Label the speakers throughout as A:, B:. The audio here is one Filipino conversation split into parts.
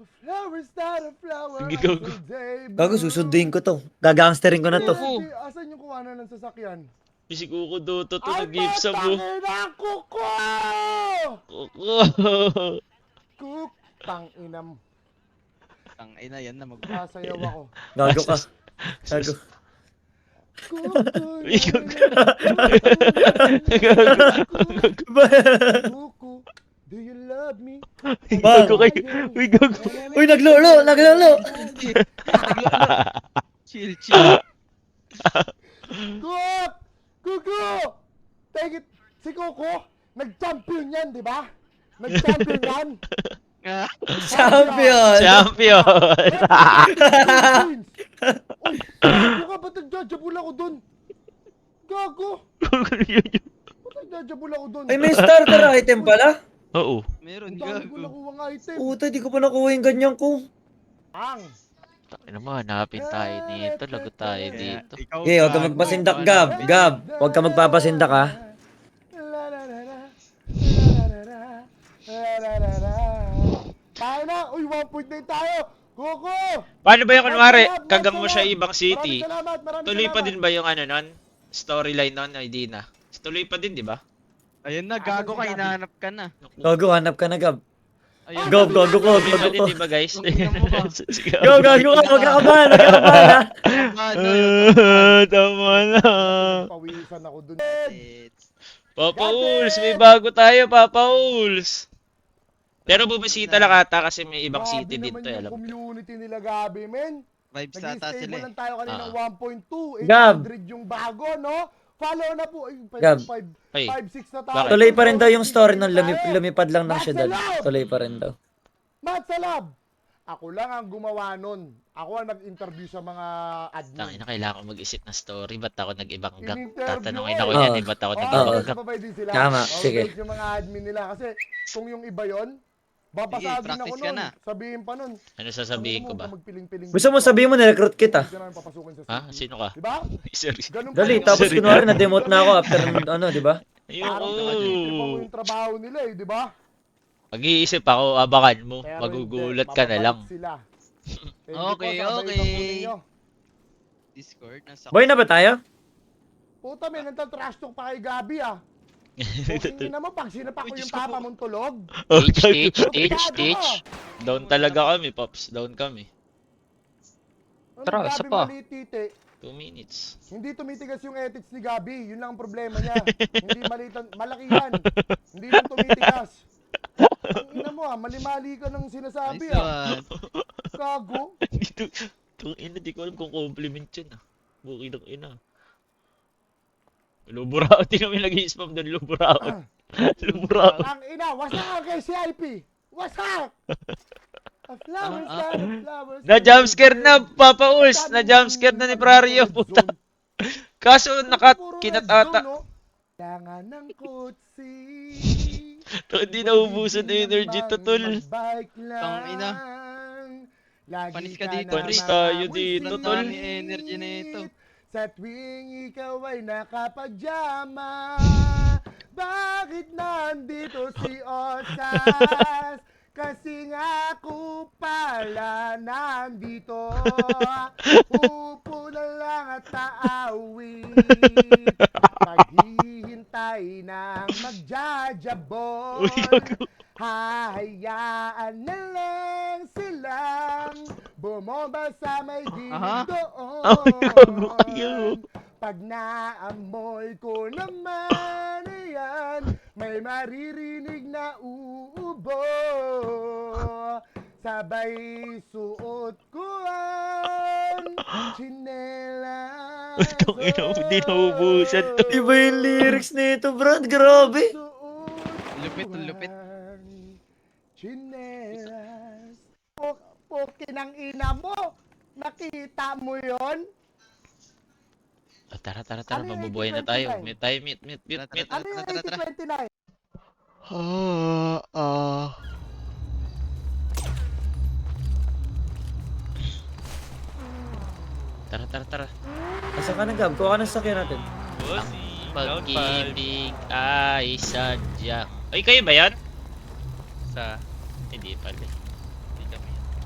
A: Flower's not a flower
B: Sige, go.
A: until day
C: Gago, susunduin ko to. Gagangsterin ko na to.
B: Oo.
A: Asan yung kuhanan ng sasakyan?
B: Si Kuko Doto to
A: Ay,
B: nag-give sa mo.
A: patangin ang kuko!
B: Kuko.
A: Kuk, tanginam.
D: Ang ina yan na mag...
A: Sasayaw ako.
C: Gago ka. Gago.
B: Uy,
A: Kuko, do you love me?
B: Gago kayo. Uy, gago.
C: Uy, naglolo! Naglolo!
D: Chill, chill.
A: Kuk! Kuko! Take it! Si Kuko, nag-champion yan, di ba? Nag-champion yan.
D: Ah,
C: Champion!
B: Champion.
A: Uy, gago ka, ba't nagjajabul ako dun? Gago! Ba't nagjajabul ako dun?
C: Ay, may starter item pala.
B: Oo.
D: meron
A: Ang dami ko
D: gago.
A: nakuha ng item.
C: Puta, di ko pa nakuha yung ganyan ko.
A: Ang!
B: Ano mo, hanapin tayo nito. Lagot tayo dito.
D: Ikaw,
C: Okay, huwag ka
D: gago.
C: magpasindak, Gab. Gab, huwag ka magpapasindak, ha?
A: Tayo na! Uy, 1 point na tayo! Kuko!
B: Paano ba yung kunwari, kagam mo siya ibang city?
A: Maraming salamat, maraming
B: Tuloy pa
A: salamat.
B: din ba yung ano nun? Storyline nun, ID na. Tuloy pa din, di ba?
D: Ayun na, gago ka, hinahanap ka na.
C: Gago, hanap ka na, Gab.
D: Ayun.
C: Go, go, go, go,
B: Tuloy pa
C: go,
B: din,
C: go.
B: di ba guys?
D: Ang ina mo ba?
B: Sige.
C: Go, gago ka, huwag ka kabahan, huwag ka kabahan, ha?
D: Ano,
B: Tama na.
A: Pawisan ako dun.
B: Papa Uls, may bago tayo, Papa Uls. Pero bumisita lang ata kasi may ibang
A: Grabe
B: city dito,
A: naman yung
B: alam mo.
A: community nila, Gabi, men.
D: Vibes ata sila
A: Nag-stable
D: eh.
A: lang tayo kanina ng 1.2.
C: Gab.
A: 800 yung bago, no? Follow na po. Ay,
C: Gab.
A: 5,
B: Ay.
A: 5, 6 na tayo.
B: Bakit?
C: Tuloy pa rin daw yung story nung lumipad lang ng syudad.
A: Marcelo!
C: Tuloy pa rin daw.
A: Matsalab! Ako lang ang gumawa nun. Ako ang nag-interview sa mga admin.
B: Tangina, kailangan ko mag-isip ng story. Ba't ako nag-ibang gang?
A: In-interview
B: Tatanungin
A: eh.
B: ako yan,
C: Oo.
B: eh. Ba't ako
A: Oo,
B: nag-ibang
C: Oo.
B: gang?
A: sabay din sila.
C: Tama,
A: Oo,
C: sige.
A: yung mga admin nila. Kasi kung yung iba yon, babasagin
D: practice
A: ako
D: ka
A: nun.
D: na.
A: Sabihin pa nun.
B: Ano sasabihin ko ba?
A: Magpiling-piling
C: Gusto mo sabihin mo, nirecruit kita.
A: Hindi ka namin papasukin sa
B: Ha?
A: city.
B: Sino ka?
A: Diba?
B: Sorry.
A: Ganun
C: Dali,
A: pa
C: tapos
B: Sorry.
C: kunwari na-demote na ako after ano, di ba?
A: Parang pinag-iisip mo
B: Ayoko.
A: yung trabaho nila eh, di ba?
B: Mag-iisip ako, abakan mo.
A: Pero
B: Magugulat
A: hindi,
B: ka na lang.
A: mababalik sila. Thank you
D: Okay,
A: po, sabay
D: okay.
A: pa po ninyo.
D: Discord, nasa...
C: Boy na ba tayo?
A: Puta, may nagtatrash talk pa kay Gabi ah. Kung naman pag sinapak ko
D: Uy,
A: yung
D: Diyos ko
A: papa
D: po.
A: mong tulog.
B: Teach.
A: Masyado ka.
B: Down talaga kami, Pops. Down kami.
A: Ano,
E: Tara,
A: Gabi
E: isa pa.
A: mali, tite.
B: 2 minutes.
A: Hindi tumitigas yung ethics ni Gabi. Yun lang ang problema niya. Hindi malitan, malaki yan. Hindi lang tumitigas. Ang ina mo ah, mali-mali ka ng sinasabi
D: Nice
A: ah.
D: one.
A: Gago.
B: Itong ina, di ko alam kung compliment yun ah. Buki ng ina. Luburaot, di kami nag-i-spam doon, luburaot. Luburaot.
A: Ang ina, wasak ka kay CIP. Wasak! A flowers,
D: Ah,
A: a flowers.
B: Na-jumpscare na, Papa Uls. Na-jumpscare na ni Prario, puta. Kaso, kinatata.
A: Kailangan ng kutsi.
B: Hindi naubusan na energy to, tol.
D: Tang ina. Panis ka dito,
B: Panis tayo dito,
D: Ang
B: tol.
D: dami energy na ito.
A: Sa tuwing ikaw ay nakapajama, bakit nandito si Osas? Kasi nga ako pala nandito, upo na lang at taawit, paghihintay ng magjajabon,
B: Uy, gago.
A: hahayaan na lang silang bumomba sa may
D: Aha.
A: gilid doon.
B: Ay, gago kayo.
A: Pag naamoy ko naman yan, may maririnig na uubo. Sabay suot ko ang tsinelas.
B: Kung ina mo, di naubusan to.
C: Iba yung lyrics nito, Brad. Grabe.
D: Lupit, lupit.
A: Chinelas. Pukin ang ina mo. Nakita mo yon?
B: Ah, tara,
A: Ano yung
B: mabubuhay na
A: 1829?
B: tayo. May tayo, meet.
D: Tara,
A: Ano yung
D: Tara, tara,
A: 8029?
B: Tara.
C: Asa ka na, Gab? Kuha ka ng sakyan natin.
B: Pag-ibig ay sadya. Ay, kayo ba yan? Sa... Hindi pala. Hindi kami yan.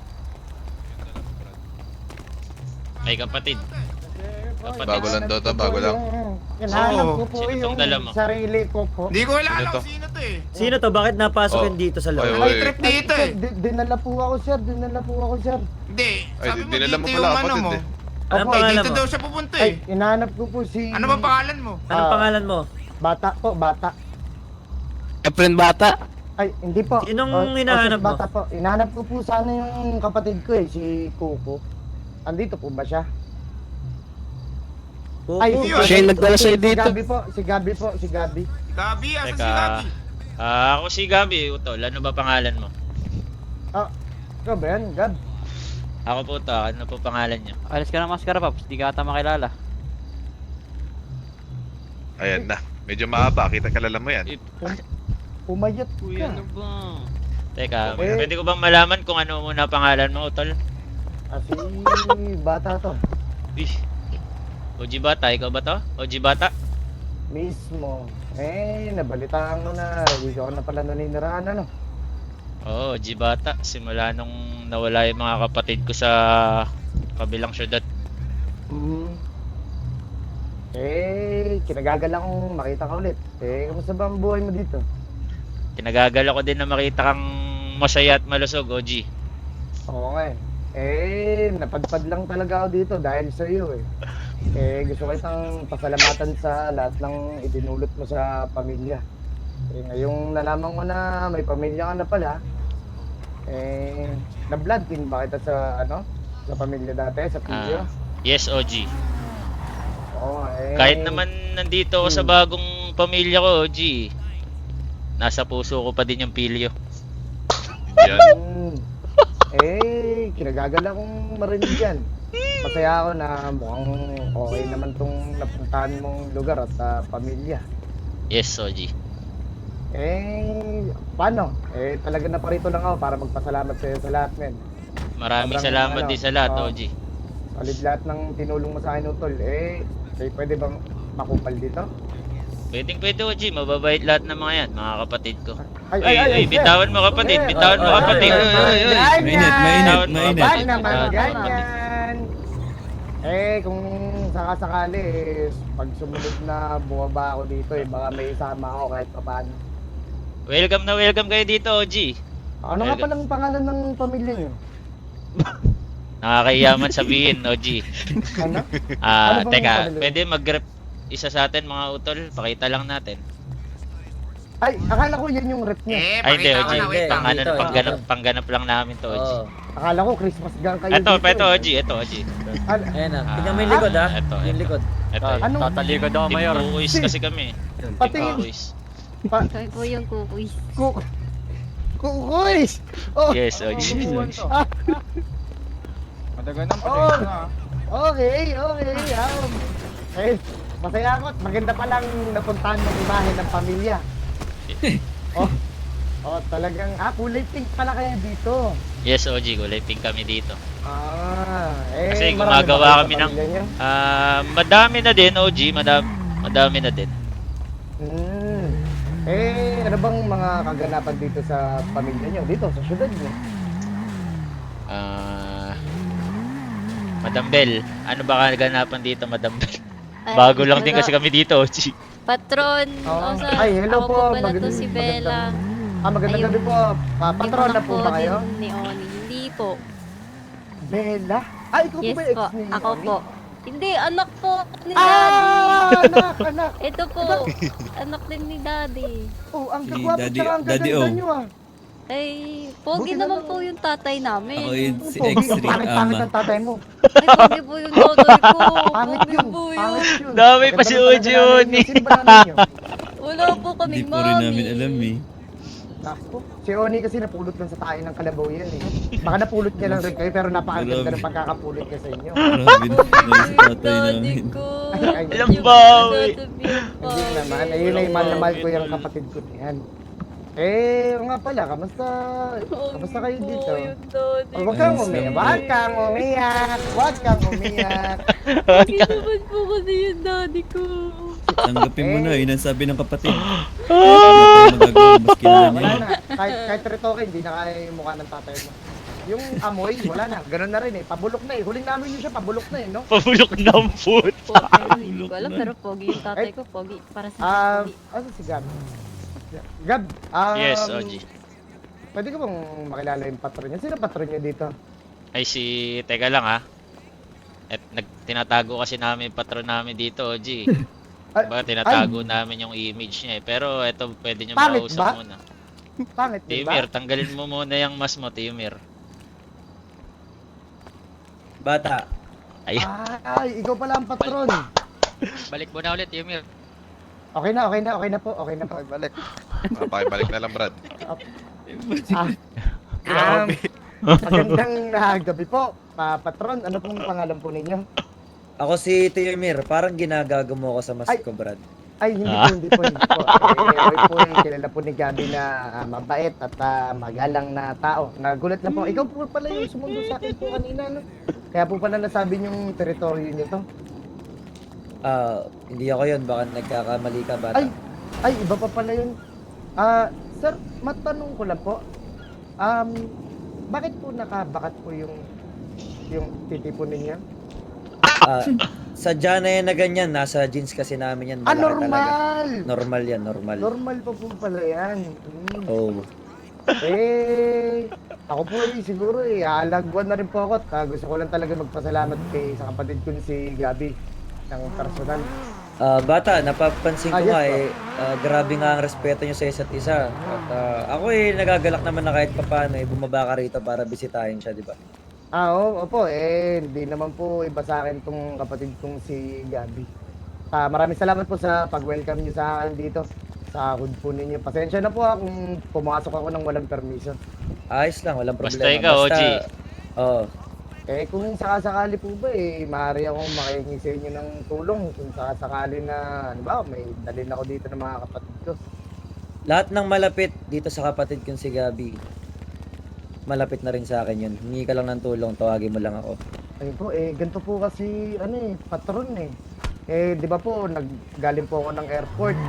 B: Ay, kapatid. Kapatid.
E: Bago lang daw to, bago lang.
A: Hinahanap
F: Oo.
A: ko po
B: Sino tong
A: yung
B: dala mo?
A: sarili ko po.
F: Hindi ko
E: Sino
F: kilala
E: to?
F: kung sino to eh.
C: Sino to? Bakit napasok
E: Oh.
C: yun dito sa
E: Oy,
C: loob?
E: oy.
F: May trip dito
A: Sir,
F: eh.
A: dinala po ako, sir. Dinala po ako, sir.
F: Hindi.
E: Ay,
F: Sabi mo
E: dinala mo
F: dito
E: pala,
F: yung ano
E: kapatid
F: mo.
E: eh.
C: Anong
A: Opo,
C: pangalan
F: Dito
C: mo?
F: daw siya pupunta
A: Ay,
F: eh.
A: hinahanap ko po si...
F: Ano ba pangalan mo?
C: Anong pangalan mo?
A: Bata po, bata.
G: Friend bata?
A: Ay, hindi po.
C: Sinong
A: Oh,
C: hinahanap mo?
A: bata po. Hinahanap ko po sana yung kapatid ko eh, si Coco. Andito po ba siya?
C: Kuko.
A: Ay,
F: Yun.
G: Siya yung nagdala sa'yo
A: Si
G: dito.
A: Gabi po, si Gabi po, si Gabi.
F: Gabi, asa si
B: Teka.
F: Gabi?
B: Ako si Gabi, Utol. Ano ba pangalan mo?
A: Ikaw ba yan, Gab?
B: Ako po to. Ano po pangalan niyo?
G: Alis ka ng maskara, Paps. Di ka ata makilala.
E: Ayan na. Medyo mahaba. Kita kalala mo yan.
A: Pumayat
G: Kuya,
A: ka.
G: ano ba?
B: Teka,
A: Eh.
B: pwede ko bang malaman kung ano muna pangalan mo, Utol?
A: Si bata to.
B: Ih. OG Bata, ikaw ba to? OG Bata?
A: Mismo. Nabalitaan mo na. Hindi ko na pala naniniraan, ano?
B: Oo, OG Bata. Simula nung nawala yung mga kapatid ko sa kabilang syudad.
A: Kinagagala kong makita ka ulit. Kamusta ba ang buhay mo dito?
B: Kinagagala ko din na makita kang masaya at malusog, OG.
A: Oo nga napadpad lang talaga ako dito dahil sa iyo eh. Gusto ko itang pasalamatan sa lahat ng idinulot mo sa pamilya. Ngayong nalaman ko na may pamilya ka na pala, na-blood din ba kita sa sa pamilya dati, sa Pilyo?
B: Yes, OG.
A: Oo,
B: Kahit naman nandito ako sa bagong pamilya ko, OG. Nasa puso ko pa din yung pilyo.
E: Yan.
A: Kinagagala kong marinig yan. Masaya ako na mukhang okay naman tong napuntahan mong lugar at pamilya.
B: Yes, OG.
A: Paano? Talaga na parito lang ako para magpasalamat sa iyo sa lahat, men.
B: Maraming
A: Sobrang,
B: salamat din sa lahat,
A: oo.
B: OG.
A: Solid lahat ng tinulong mo sa akin, Utol. Pwede bang makupal dito?
B: Pwedeng pwede, OG. Mababait lahat ng mga yan, mga kapatid ko.
A: Ay,
B: Bitawan mo kapatid,
A: sir.
B: bitawan mo kapatid.
A: Ganyan!
B: Bitawan mo
A: Ba't
B: kapatid.
A: naman
B: Bitawan mo kapatid.
A: ganyan? Kung sakasakali, pag sumunod na bumaba ako dito, baka may isama ako kahit paano.
B: Welcome na welcome kayo dito, OG.
A: Ano nga palang pangalan ng pamilya niyo?
B: Nakakayaman sabihin, OG.
A: Ano? Ano bang
B: Teka,
A: pangalan?
B: pwede mag-rep isa sa atin mga utol, pakita lang natin.
A: Ay, akala ko yan yung rep niya.
B: Ay, hindi,
F: pakita
B: OG.
F: ko na, wait lang.
B: Pang ano,
C: Dito,
B: pangganap lang namin to, OG.
C: Oo.
A: Akala ko Christmas gang kayo
B: Ito,
A: dito.
B: OG, ito, OG.
A: Ano?
C: Ayan na. Tingnan mo yung likod ha.
B: Ito,
C: Yung
B: ito.
C: likod.
B: Ito.
A: Anong-
G: Tatalikod ako,
B: Team
G: Mayor.
B: Kukuis kasi kami. Team
A: Patingin.
B: Kukuis.
H: Kami po yung kukuis.
A: Kukuis! Oh,
B: Yes, OG.
F: Madagal ng
A: Oh. Okay. Masaya ako at maganda palang napuntahan ng imahe ng pamilya. Talagang, kulay pink pala kayo dito.
B: Yes, OG. Kulay pink kami dito.
A: marami
B: Kasi
A: ba
B: gumagawa
A: kayo sa
B: kami ng...
A: pamilya niyo?
B: Madami na din, OG. Madami na din.
A: Ano bang mga kaganapan dito sa pamilya niyo? Dito, sa syudad niyo?
B: Madam Bell, ano ba kaganapan dito, Madam Bell?
H: Ay,
B: Bago lang din
H: wala.
B: kasi kami dito, OG.
H: Patron,
A: Oo.
H: o sa,
A: Ay, hello
H: ako
A: po.
H: po pala to
A: Magandang-
H: si Bella.
A: Magandang
H: Ayun.
A: gabi po. Patron na po ba kayo?
H: Din ni Oni. Hindi po.
A: Bella? Ikaw
H: Yes
A: po ba ex
H: po,
A: ni
H: ako
A: Oni?
H: po. Hindi, anak po ni Daddy.
A: Anak.
H: Ito po, anak din ni Daddy.
A: Ang
I: Si
A: kagwapo
I: Daddy-
A: tsaka ang
I: Daddy
A: gaganda
I: O.
A: niyo
H: Ay, pogi
A: Buti
H: naman
A: naman.
H: po yung tatay namin.
I: Ako yun, si
A: Pogi,
I: X-Ray
A: pangit
I: Ama.
A: ang tatay mo.
H: Ay, pogi po yung tatay ko.
A: Pangit
H: Pogi
A: yun.
H: po yun.
A: Pangit yun.
B: Dami pa
A: Maganda
B: si
A: pala sa
B: Oji
A: nanay
B: yun
A: niyo.
B: eh.
A: Sino ba nanay niyo?
H: Wala po
I: Hindi
H: kaming
I: po rin
H: mami.
I: namin alam eh.
A: Naku, si Oni kasi napulot lang sa tayo ng kalabaw yan eh. Baka napulot niya lang rin kayo pero napakaganda ng pagkakapulot niya sa inyo.
I: Grabe na sa tatay
H: Daddy
I: namin.
H: ko.
A: Ay,
B: Alam
H: Yung
B: bawi.
A: Hindi naman, ayun ay mahal na mahal ko yung kapatid ko yan. Nga pala, kamusta kayo dito? Huwag kang umiyak, huwag kang umiyak.
H: Hindi naman po kasi yung daddy ko.
I: Tanggapin mo na, yun ang sabi ng kapatid. Wala tayong magagawa, mas kilala niya
A: Wala
I: yun.
A: na, kahit retoke, hindi na kaya yung mukha ng tatay mo. yung amoy, wala na. Ganun na rin eh. Pabulok na eh. Huling namin yun siya, pabulok na eh, no?
B: Pabulok ng food.
H: Hindi ko alam, pero pogi yung tatay ko. Pogi. Para sa pogi.
A: Ano si Gab? Gab,
B: Yes, OG.
A: Pwede ko bang makilala yung patron niya? Sino patron niya dito?
B: Ay teka lang ha. At tinatago kasi namin yung patron namin dito, OG.
A: Ay,
B: Diba, tinatago namin yung image niya eh. Pero eto, pwede nyo
A: Pangit
B: makausap
A: ba?
B: muna.
A: Pangit din ba?
B: Timir, tanggalin mo muna yung mas mo, Timir.
C: Bata.
B: Ay,
A: Ay, ikaw pala ang patron.
G: Balik mo na ulit, Yumir.
A: Okay na po.
E: Pakibalik. Pakibalik na lang, Brad.
A: Magandang gabi po, patron. Ano pong pangalan po ninyo?
C: Ako si Tiyomir. Parang ginagago mo ako sa
A: Ay.
C: mask ko, Brad.
A: Ay, hindi po. Roy po yung kilala po ni Gabi na mabait at magalang na tao. Nagulat na po. Ikaw po pala yung sumundo sa akin po kanina, no? Kaya po pala nasabi yung teritoryo niyo to.
C: Hindi ako yun. Baka nagkakamali ka, bata.
A: Ay, iba pa pala yun. Sir, matanong ko lang po. Bakit po nakabakat po yung titipon ninyo?
C: Sadya na yan na ganyan. Nasa jeans kasi namin yan. Malaki talaga.
A: Normal!
C: Normal yan, normal.
A: Normal pa po pala yan.
C: Oh.
A: Ako po siguro alagwan na rin po ako at gusto ko lang talaga magpasalamat sa kapatid ko si Gabi ng personal.
C: Bata, napapansin ko
A: Yes,
C: nga
A: po.
C: grabe nga ang respeto nyo sa isa't isa. At ako nagagalak naman na kahit papaano bumaba ka rito para bisitahin siya, di ba?
A: Opo, hindi naman po iba sa akin tong kapatid kong si Gabi. Maraming salamat po sa pag-welcome niyo sa akin dito sa hood po ninyo. Pasensya na po kung pumasok ako ng walang permiso.
C: Ayos lang, walang problema.
B: Basta ikaw, OG.
C: Oo.
A: Kung sakasakali po ba maaari akong makihingi sa inyo ng tulong kung sakasakali na, ano ba, may dalhin ako dito ng mga kapatid ko.
C: Lahat ng malapit dito sa kapatid kong si Gabi, malapit na rin sa akin yun. Hingi ka lang ng tulong, tawagin mo lang ako.
A: Ayun po, ganito po kasi, patron di ba po, galing po ako ng airport.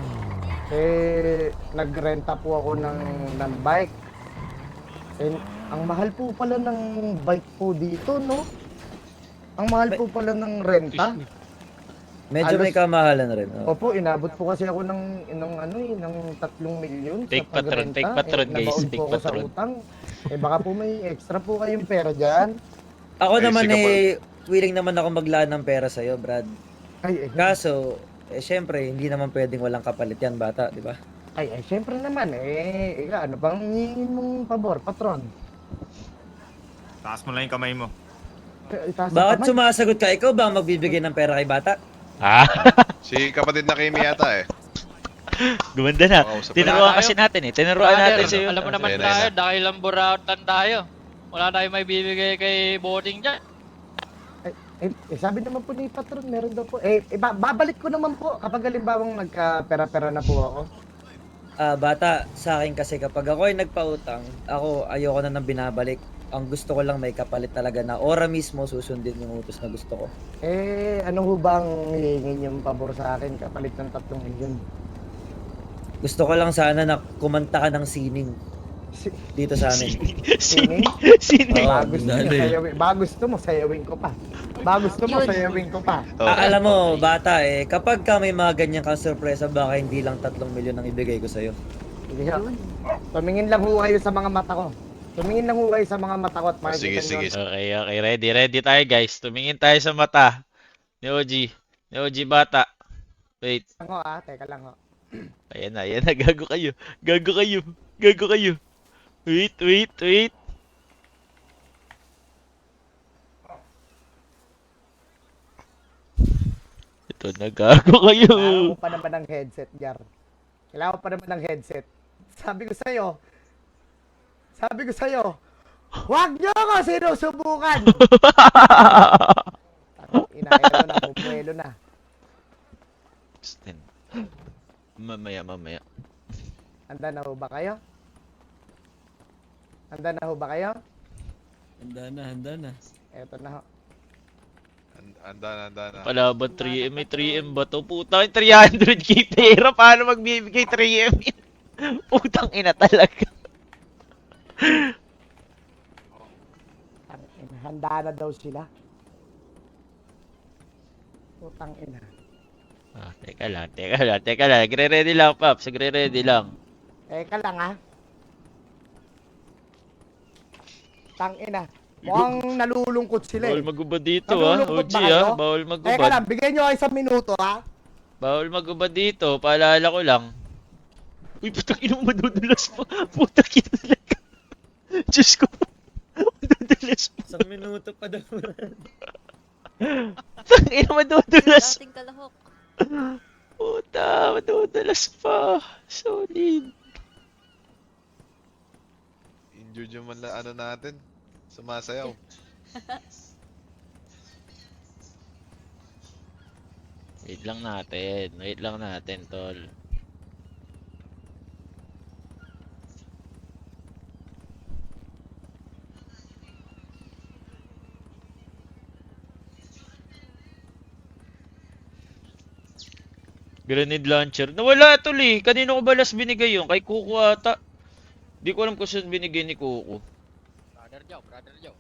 A: Nagrenta po ako ng bike. Ang mahal po pala ng bike po dito, no? Ang mahal po pala ng renta.
C: Medyo may kamahalan rin. Oh.
A: Opo, inabot po kasi ako ng 3 milyon sa
B: Take patron,
A: pagrenta.
B: take patron, guys,
A: nabaon
B: take
A: po ako sa
B: patron.
A: utang. Baka po may extra po kayong pera dyan.
C: Ako
E: Ay,
C: naman
E: sige
C: willing naman ako maglaan ng pera sa'yo, Brad.
A: Kaso,
C: Kaso, syempre, hindi naman pwedeng walang kapalit yan, bata, di ba?
A: syempre naman, ano bang hihingin mong pabor, patron?
F: Taas mo lang yung kamay mo.
A: Itaas ang
C: Bakit
A: kamay.
C: sumasagot ka? Ikaw ba ang magbibigay ng pera kay bata?
E: Si kapatid na Kimi yata eh.
B: Gumanda na.
E: Makausap
B: Tinuruan kasi natin eh. Tinuruan natin
G: Brother,
B: sa'yo.
G: alam mo naman
E: Ayan,
G: tayo,
E: ayan.
G: dahil lang burautan tayo. Wala tayong may bibigay kay Boarding dyan.
A: Sabi naman po ni patron, meron daw po. Babalik ko naman po kapag halimbawang nagka-pera-pera na po ako.
C: Bata, sa akin kasi kapag ako ay nagpautang, ayoko na nang binabalik. Ang gusto ko lang may kapalit talaga na ora mismo susundin yung utos na gusto ko.
A: Ano ho bang hihingin yung pabor sa akin kapalit ng 3 milyon?
C: Gusto ko lang sana na kumanta ka ng sining dito sa amin.
A: Sining?
B: Sini.
C: Oo,
A: Gusto mo, sayawin ko pa. Sayawin ko pa.
E: Oh.
C: Alam mo, bata kapag ka may mga ganyan kang sorpresa, baka hindi lang 3 milyon ang ibigay ko sa'yo.
A: Sige ho. Tumingin lang ho kayo sa mga mata ko. Tumingin lang ho kayo sa mga mata ko at
E: Sige,
A: makikita
E: sige.
A: nyo.
B: Okay. Ready tayo guys. Tumingin tayo sa mata. Ni OG. Ni OG bata. Wait.
A: Teka lang ho.
B: Ayan na. Gago kayo. Wait. Ito na, gago kayo.
A: Kailangan ko pa naman ng headset, Jar. Kailangan ko pa naman ng headset. Sabi ko sa'yo, huwag nyo ako sinusubukan! Inaero na, pupuelo na.
B: Mamaya.
A: Handa na ho ba kayo?
I: Handa na.
A: Eto na ho.
E: Anda na.
B: Palaban 3M. May 3M ba to? Putang 300k pera. Paano magbibigay 3M? Putang ina talaga.
A: Handa na daw sila. Putang ina.
B: Teka lang. Nagre-ready lang, Paps. Nagre-ready lang.
A: Teka lang ha. Tang ina. Mukhang nalulungkot sila
B: Bawal
A: eh.
B: magubad dito,
A: Nalulungkot
B: OG,
A: ba kayo?
B: Bawal
A: Teka
B: magubad.
A: lang, bigyan nyo ako 1 minuto ha.
B: Bawal magubad dito. Paalala ko lang. Uy, putang ina mo, madudulas pa. Putang ina talaga. Diyos ko. Madudulas pa.
C: 1 minuto pa daw.
B: Putang ina, madudulas.
H: Dating kalahok.
B: Puta, madudulas pa. Solid.
E: Injured yung ano natin. Sumasayaw.
B: Wait lang natin, tol. Grenade launcher. Nawala tol eh. Kanino ko ba last binigay yun? Kay Kuko ata. Di ko alam kung saan binigay ni Kuko.
G: Brother Joe, Brother Joe.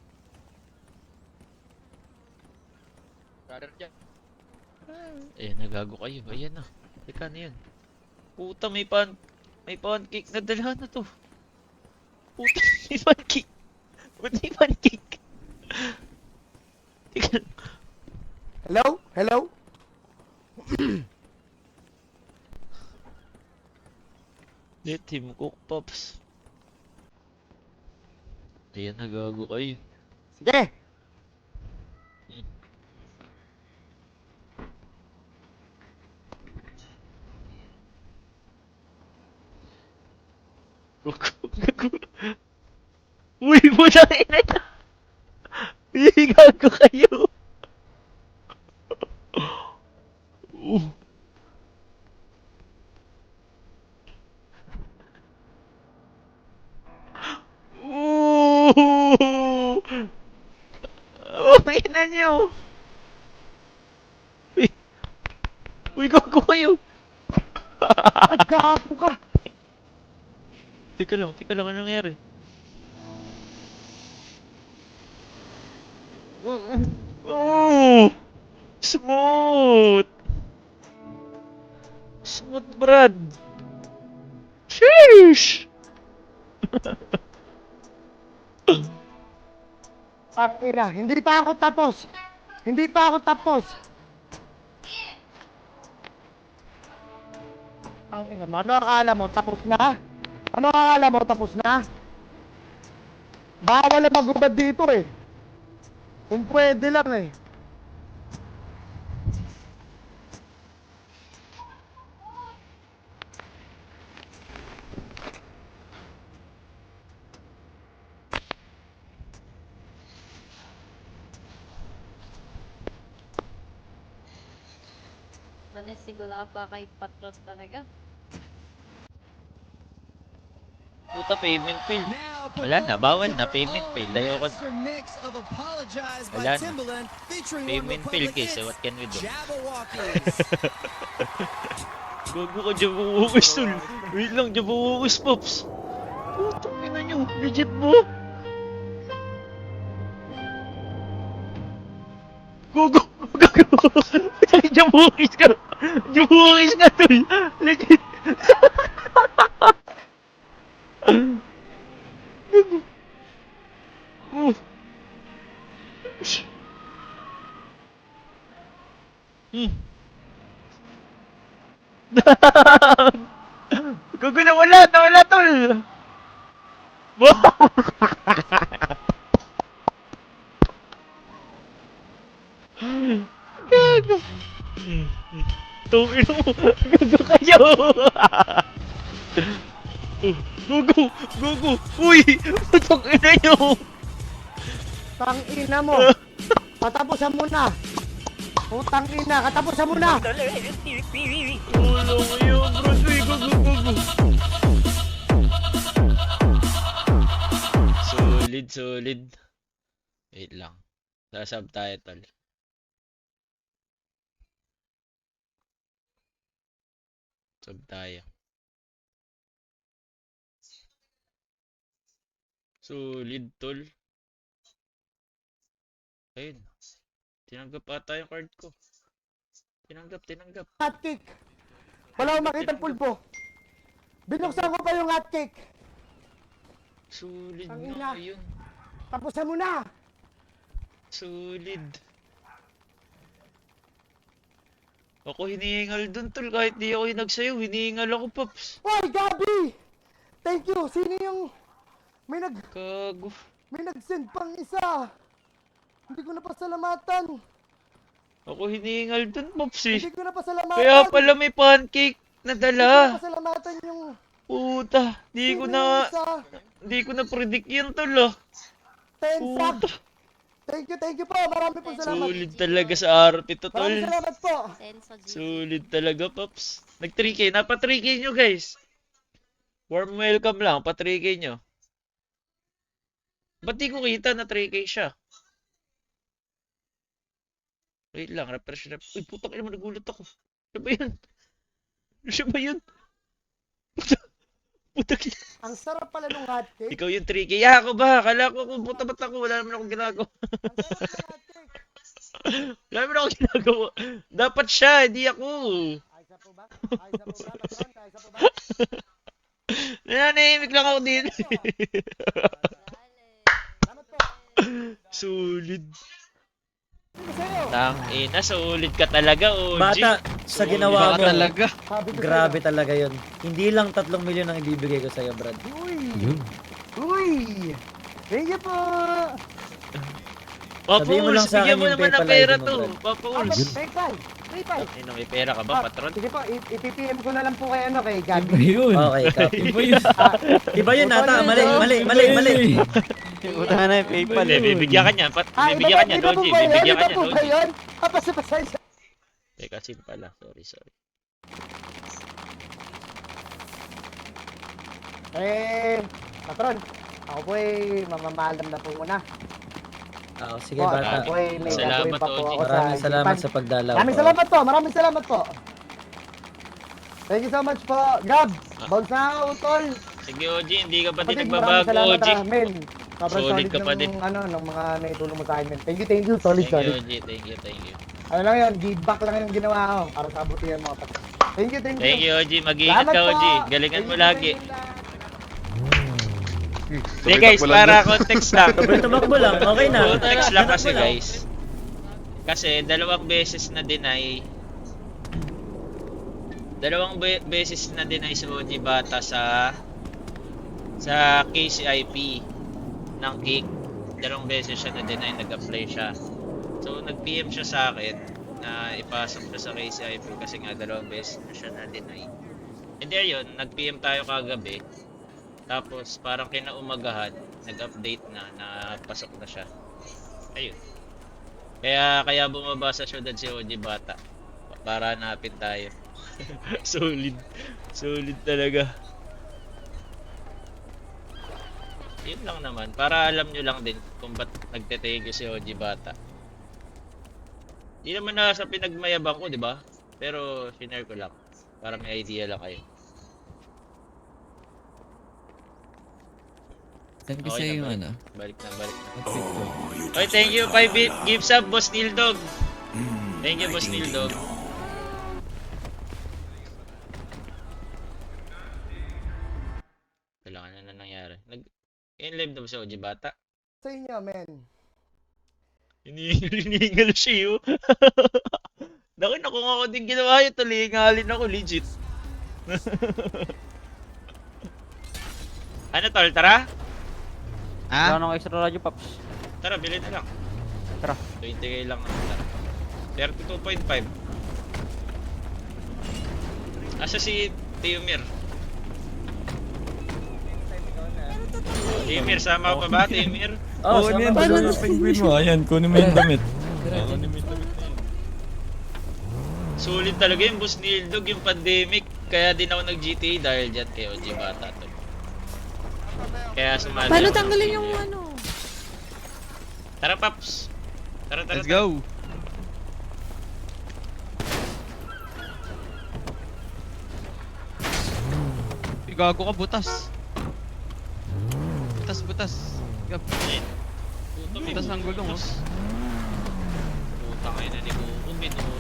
G: Brother Joe.
B: Nagago kayo. Ayan na. Teka na yan. Puta, may pancake na dalhan na to. Puta, may pancake. Ba't may pancake? Teka.
A: Hello? Hello?
B: Let him cook, Pops. Ayan, nagago kayo.
A: Sige.
B: Gago. Uy, puta ina niya. Uy, gago kayo. Ooh! Oh, ina niyo. Uy, uy, gago kayo.
A: Gago ka.
B: Teka lang, anong nangyari? Oh! Smooth! Smooth, Brad! Sheesh!
A: Ina, hindi pa ako tapos. Hindi pa ako tapos. Ang ina, ano akala mo tapos na? Ano akala mo tapos na? Bawal na magubad dito eh. Kung pwede lang eh.
H: Nanisigula pa kay Patron talaga.
B: Puta, payment fail. Wala na, bawal na, payment fail. Ayoko. Wala na. Payment fail case, what can we do? Gago ka, Jabawokis, tol. Wait lang, Jabawokis, Pops. Putang ina nyo, legit mo? Gago, gago. Jabawokis ka. Jabawokis ka, tol. Legit. Gago. Oh. Gago, nawala, tol. Wow. Gago. Tungin mo. Gago kayo. Gago. Uy, putang ina nyo.
A: Tang ina mo. Patapusan mo na. Putang ina, katapusan mo na.
B: Ulo kayo, bro. Uy, gago. Solid. Wait lang. Sa subtitle. Sub tayo. Solid, tol. Ayun. Tinanggap ata yung card ko. Tinanggap.
A: Hotcake. Wala akong makitang pulbo. Binuksan ko pa yung hotcake.
B: Sulit
A: Ang
B: nga
A: ina.
B: yun.
A: Tapusan mo na.
B: Sulit. Ako hinihingal dun tol, kahit di ako yung nagsayaw, hinihingal ako Pops.
A: Hoy, Gabi! Thank you. Sino yung
B: Kago.
A: may nag-send pang isa? Hindi ko na pasalamatan.
B: Ako hinihingal dun Pops eh.
A: Hindi ko na pasalamatan.
B: Kaya pala may pancake na
A: Hindi ko na
B: dala.
A: pasalamatan yung
B: Puta, di ko
A: sino
B: na,
A: yung isa.
B: di ko na predict yun tol ah.
A: Tensa.
B: Puta,
A: Thank you po. Marami pong salamat.
B: sulit talaga sa RP to tol.
A: Maraming salamat po.
H: Senso G.
B: Sulit talaga Pops. Nag 3K, napa 3K nyo guys. Warm welcome lang, pa 3K nyo. Ba't di ko kita na 3K siya? Wait lang, refresh. Uy, putang ina mo, nagulat ako. Ano ba yun? Ano ba yun? Putang ina.
A: Ang sarap pala nung hotcake.
B: Ikaw yung 3K. Ya, ako ba? Kala ko kung puta ba't ako? Wala naman akong ginagawa.
A: Ang sarap ng hotcake.
B: Wala naman akong ginagawa. Dapat siya, hindi ako.
A: Ayos na po ba? Ayos na po ba? Patron, ayos na po ba?
B: Nananahimik lang ako din.
A: Salamat po.
B: Sulit.
A: Hindi sa'yo.
B: Tangina, sulit ka talaga, OG.
C: Bata, sa ginawa
D: Baka
C: mo,
D: talaga.
A: Sabi ko
C: grabe talaga yun. Hindi lang 3 milyon ang ibibigay ko sa'yo, Brad.
A: sa'yo. Uy! Thank you po!
B: Papa
C: Sabihin mo lang
B: Uls,
C: sa akin
B: bigyan mo
C: yung
B: naman ng
C: PayPal
B: pera
C: ID mo,
B: to.
C: Brad.
B: Papa
A: Ah,
B: Uls.
A: PayPal! PayPal!
B: Ino, may pera ka ba, patron?
A: Sige po, i-PPM ko na lang po kay ano, kay Gabi.
I: Iba yun.
C: Okay, ikaw.
I: Iba yun.
C: Iba yun ata, mali.
D: Utang na yung PayPal.
B: Hindi, bibigyan ka niya. Bibigyan ka niya,
A: iba po
B: Doji.
A: ba yun?
B: Bibigyan ka
A: Iba
B: niya,
A: po ba
B: Doji.
A: yun? Pasensya.
B: Teka, sin pala. Sorry.
A: Patron, ako po mamamalam na po muna.
C: Sige,
A: Po,
C: bata.
A: ako po may
B: Salamat,
A: gagawin pa po
B: Oji.
A: ako sa
C: Maraming salamat
A: Japan.
C: sa pagdalaw.
A: Maraming salamat po. Thank you so much po. Gab, bounce na ako, tol.
B: Sige, OG, hindi ka pa din
A: Kapatid, maraming
B: nagbabago,
A: salamat,
B: OG.
A: Men. Sobrang
B: Solid ka pa din.
A: Nung mga naitulong mo sa akin, men. Thank you. Solid.
B: Thank you, OG. Thank you.
A: Ano lang yan, give back lang yung ginawa ko para sa abutihan mga kapatid. Thank you.
B: Thank you, OG. Mag-iingat
A: Salamat
B: ka,
A: po.
B: OG. Galingan mo
A: Thank you
B: lagi.
A: sa inyo lahat.
B: Hindi guys, para context lang.
C: Tumakbo lang, okay na.
B: Context lang kasi guys. Kasi dalawang beses na deny. Beses na deny si OG Bata sa KCIP ng kick. Dalawang beses siya na deny, nag-apply siya. So nag-PM siya sa akin na ipasok siya sa KCIP kasi nga dalawang beses na siya na deny. And there yun, nag-PM tayo kagabi. Tapos parang kinaumagahan, nag-update na pasok na siya. Ayun. Kaya bumaba sa syudad si OG Bata para hanapin tayo. Solid talaga. Yun lang naman, para alam nyo lang din kung ba't nagtetego si OG Bata. Di naman na sa pinagmayabang ko, di ba? Pero sinare ko lang para may idea lang kayo.
I: Saan kasi
B: Okay na,
I: yung
B: balik.
I: ano?
B: Balik na.
I: Outfit ko.
B: Okay, thank you. 5 gives up, Boss Nildog. Thank you, Boss Nildog. Kailangan na nangyari. In-live na ba si OG Bata?
A: Sa inyo, men.
B: Hinihingal siya yun. Nakin ako nga ako din ginawa yun. Talingalin ako, legit. Ano tol, tara?
D: Ha?
G: Wala nang extra radyo, Paps.
B: Tara, bilhin na lang.
G: Tara.
B: 20k lang naman, tara. 32.5. Asa si Teomir? Teomir, sama ka pa ba, Teomir?
C: Oh,
I: Oo,
C: sama
I: yan.
C: ba?
I: Dalawa yung penguin mo. Ayan, kunin mo yung damit.
B: Sulit talaga yung Boss Nildog, yung pandemic. Kaya din ako nag-GTA dahil dyan kay OG Bata to. Kaya sumali.
H: Paano
B: ako ng
H: tanggalin yung
B: GTA.
H: ano?
B: Tara, Paps. Tara.
D: Let's go. Gago ka, butas. Butas.
B: Puta, may
D: Butas ng gulong, oh.
B: na ni Kuko, minura